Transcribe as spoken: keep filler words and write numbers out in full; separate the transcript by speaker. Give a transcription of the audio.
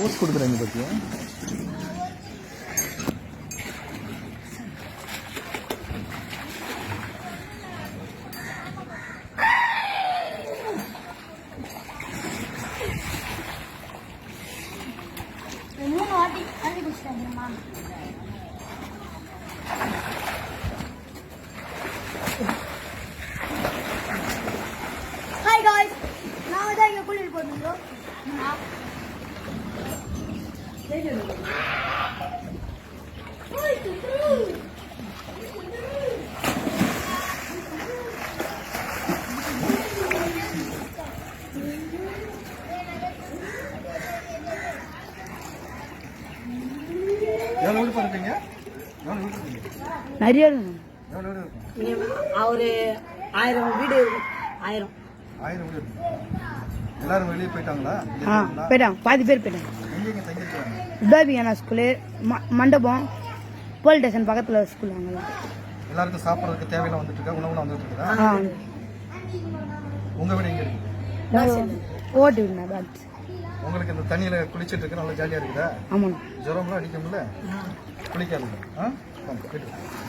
Speaker 1: போஸ்ட் கொடுக்குறாங்க பார்த்தியா?
Speaker 2: மூணு வாட்டி தண்ணி குடிச்சிட்டாங்கம்மா. ஹாய் காய்ஸ், நாங்கள் தான் இங்கே குளிர் போட்டுருக்கோம்.
Speaker 3: நிறைய
Speaker 4: ஒரு ஆயிரம் வீடு ஆயிரம்
Speaker 1: ஆயிரம் வீடு எல்லாரும் வெளியே போயிட்டாங்களா?
Speaker 3: ஆ போயிட்டாங்க, பாதி பேர் போயிட்டாங்க.
Speaker 1: எங்கெங்க தங்கியிருக்காங்க?
Speaker 3: உதாபியானா ஸ்கூலு, மண்டபம், போலீஸ் ஸ்டேஷன் பக்கத்தில் ஸ்கூல். அங்கெல்லாம்
Speaker 1: எல்லாருக்கும் சாப்பிட்றதுக்கு தேவையெல்லாம் வந்துட்டு இருக்கா? உணவுலாம் வந்துட்டு இருக்குதா?
Speaker 3: ஆ
Speaker 1: உங்க வீடு எங்க இருக்கு?
Speaker 3: ஓட்டு விடுண்ணா பாத்.
Speaker 1: உங்களுக்கு இந்த தண்ணியில குளிச்சுட்டு இருக்கு நல்லா ஜாலியா இருக்குதா?
Speaker 3: ஆமாண்ணா.
Speaker 1: ஜுரம்லாம் அடிக்கும்ல? குளிக்காதுங்க. ஆ போயிட்டு